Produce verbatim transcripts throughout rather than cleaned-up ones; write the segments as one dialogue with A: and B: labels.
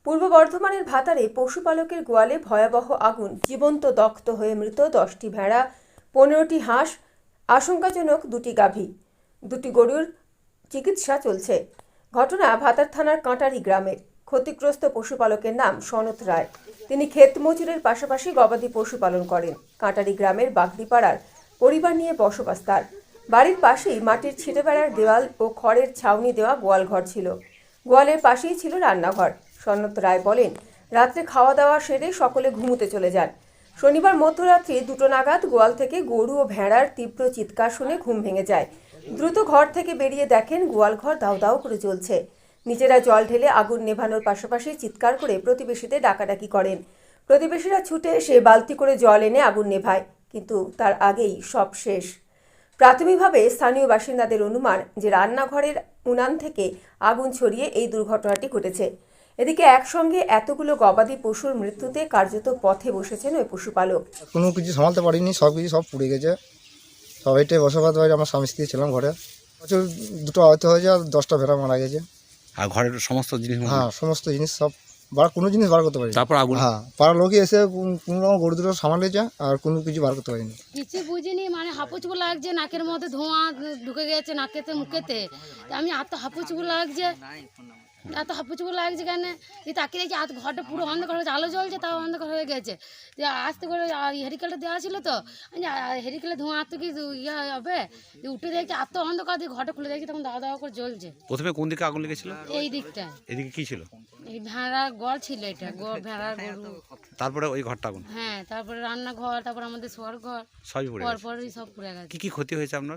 A: পূর্ব বর্ধমানের ভাতারে পশুপালকের গোয়ালে ভয়াবহ আগুন, জীবন্ত দগ্ধ হয়ে মৃত দশটি ভেড়া, পনেরোটি হাঁস, আশঙ্কাজনক দুটি গাভী, দুটি গরুর চিকিৎসা চলছে। ঘটনা ভাতার থানার কাঁটারি গ্রামের। ক্ষতিগ্রস্ত পশুপালকের নাম সনত রায়। তিনি ক্ষেত মজুরের পাশাপাশি গবাদি পশু পালন করেন। কাঁটারি গ্রামের বাগদিপাড়ার পরিবার নিয়ে বসবাস তার। বাড়ির পাশেই মাটির ছিটে বেড়ার দেওয়াল ও খড়ের ছাউনি দেওয়া গোয়াল ঘর ছিল। গোয়ালের পাশেই ছিল রান্নাঘর। সনত রায় বলেন, রাত্রে খাওয়া দাওয়া সেরে সকলে ঘুমোতে চলে যান। শনিবার মধ্যরাত্রি দুটো নাগাদ গোয়াল থেকে গরু ও ভেড়ার তীব্র চিৎকার শুনে ঘুম ভেঙে যায়। দ্রুত ঘর থেকে বেরিয়ে দেখেন গোয়াল ঘর দাউ দাউ করে জ্বলছে। নিজেরা জল ঢেলে আগুন নেভানোর পাশাপাশি চিৎকার করে প্রতিবেশীদের ডাকাডাকি করেন। প্রতিবেশীরা ছুটে এসে বালতি করে জল এনে আগুন নেভায়, কিন্তু তার আগেই সব শেষ। প্রাথমিকভাবে স্থানীয় বাসিন্দাদের অনুমান যে রান্নাঘরের উনান থেকে আগুন ছড়িয়ে এই দুর্ঘটনাটি ঘটেছে। এদিকে একসঙ্গে এতগুলো গবাদি পশুর মৃত্যুতে কার্যত পথে বসেছেন ওই পশুপালক।
B: কোনো কিছু সামালতে পারিনি, সব কিছু সব পুড়ে গেছে। সবাইটাই বসবাস বাড়ি, আমার স্বামী স্ত্রী ছিলাম ঘরে। প্রচুর দুটো আহত হয়েছে আর দশটা ভেড়া মারা গেছে।
C: আর ঘরের সমস্ত জিনিস?
B: হ্যাঁ, সমস্ত জিনিস সব বার, কোনো জিনিস বার করতে পারিনি।
C: তারপর আগুন?
B: হ্যাঁ, পাড়ার লোকই এসে কোনো রকম গরু দুটো সামালেছে আর কোনো কিছু বার করতে পারিনি।
D: কিছু বুঝিনি, মানে হাঁপুচুপু লাগছে, নাকের মধ্যে ধোঁয়া ঢুকে গেছে নাকেতে মুখেতে। আমি এত হাঁপুচুপু লাগছে, এত হাঁপুচুপু লাগছে কেন তাকিয়ে দেখছি আর ঘরটা পুরো অন্ধকার হয়েছে, আলো জ্বলছে তাও অন্ধকার হয়ে গেছে। আস্তে করে হেরিকেলটা দেওয়া ছিল তো, হেরিকেলে ধোঁয়া এত কি ইয়ে হবে, উঠে দেখছি এত অন্ধকার দিয়ে ঘরটা খুলে দেখছি তখন দাওয়া দাওয়া করে জ্বলছে।
C: প্রথমে কোন দিকে আগুন লেগেছিল? এই
D: দিকটা।
C: এদিকে কি ছিল?
D: এই ভেড়া গড় ছিল, এটা ভেড়ার গরু।
C: তারপরে ওই ঘরটা আগুন?
D: হ্যাঁ, তারপরে রান্নাঘর, তারপরে আমাদের শোয়ার ঘর,
C: সবই পুড়ে গেছে।
D: পরপরই সব পুড়ে গেছে।
C: কি কি ক্ষতি হয়েছে আপনার?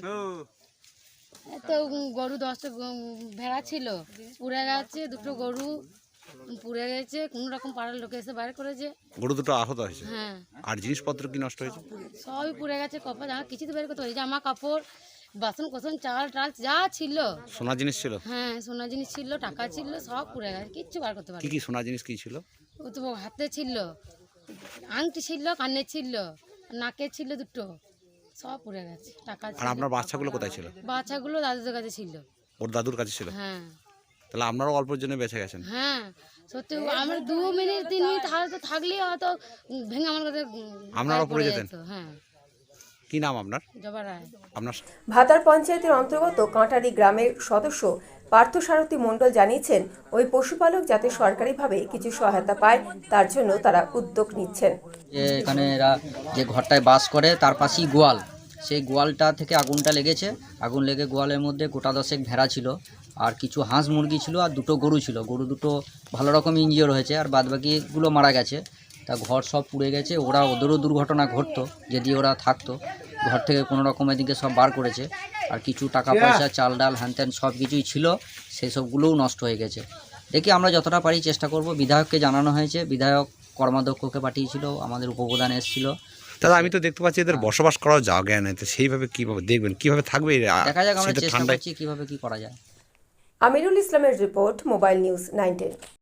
D: তো গরু দশটা ভেড়া ছিল, পুড়ে গেছে। দুটো গরু পুড়ে গেছে, কোনো রকম পাড়ার লোকে এসে বাইরে করেছে।
C: গরু দুটো আহত হয়েছে?
D: হ্যাঁ।
C: আর জিনিসপত্র কি নষ্ট হয়েছে?
D: সবই পুড়ে গেছে, কপা জামা কিছু তো বের করতে পারি, জামা কাপড়, বাসন কোসন, চাল টাল যা ছিল।
C: সোনা জিনিস ছিল?
D: হ্যাঁ, সোনা জিনিস ছিল, টাকা ছিল, সব পুড়ে গেছে, কিচ্ছু বার করতে পারি।
C: কি কি সোনা জিনিস কি ছিল?
D: ও তো হাতে ছিল, আংটি ছিল, কানে ছিল, নাকে ছিল দুটো, সব পুড়ে গেছে। টাকা ছিল।
C: আর আপনার বাচ্চাগুলো কোথায় ছিল?
D: বাচ্চাগুলো দাদুদের কাছে ছিল।
C: ওর দাদুর কাছে ছিল?
D: হ্যাঁ।
C: তাহলে আপনারাও অল্পের জন্য বেঁচে গেছেন?
D: হ্যাঁ, সত্যি আমরা দু মিনিট তিন মিনিট হয়তো থাকলেই হয়তো ভেঙে আমার কাছে
C: আপনারাও পড়ে যেতেন?
D: হ্যাঁ।
C: কি নাম আপনার?
D: জবা রায়।
C: আপনার?
A: ভাতার পঞ্চায়েতের অন্তর্গত কাঁটারি গ্রামের সদস্য পার্থসারথী মণ্ডল জানিয়েছেন, ওই পশুপালক যাতে সরকারিভাবে কিছু সহায়তা পায় তার জন্য তারা উদ্যোগ নিচ্ছেন।
E: এখানে এরা যে ঘরটায় বাস করে তার পাশেই গোয়াল, সেই গোয়ালটা থেকে আগুনটা লেগেছে। আগুন লেগে গোয়ালের মধ্যে গোটা দশেক ভেড়া ছিল, আর কিছু হাঁস মুরগি ছিল, আর দুটো গরু ছিল। গরু দুটো ভালো রকম ইনজিওর হয়েছে, আর বাদবাকিগুলো মারা গেছে। তা ঘর সব পুড়ে গেছে। ওরা ওদেরও দুর্ঘটনা ঘটতো যদি ওরা থাকতো। ঘর থেকে কোনো রকম এদিকে সব বার করেছে, আর কিছু টাকা পয়সা, চাল ডাল হ্যান ত্যান সব কিছুই ছিল, সেই সবগুলোও নষ্ট হয়ে গেছে। দেখি আমরা যতটা পারি চেষ্টা করব। বিধায়ককে জানানো হয়েছে, বিধায়ক কর্মাধ্যক্ষকে পাঠিয়েছিল, আমাদের উপপ্রধান এসেছিল।
C: দাদা, আমি তো দেখতে পাচ্ছি এদের বসবাস করার জায়গা নেই, তো সেইভাবে কিভাবে দেখবেন, কিভাবে থাকবে?
E: দেখা যাক, আমরা চেষ্টা করছি কিভাবে কি করা যায়।
A: আমিরুল ইসলামের রিপোর্ট, মোবাইল নিউজ নাইনটিন।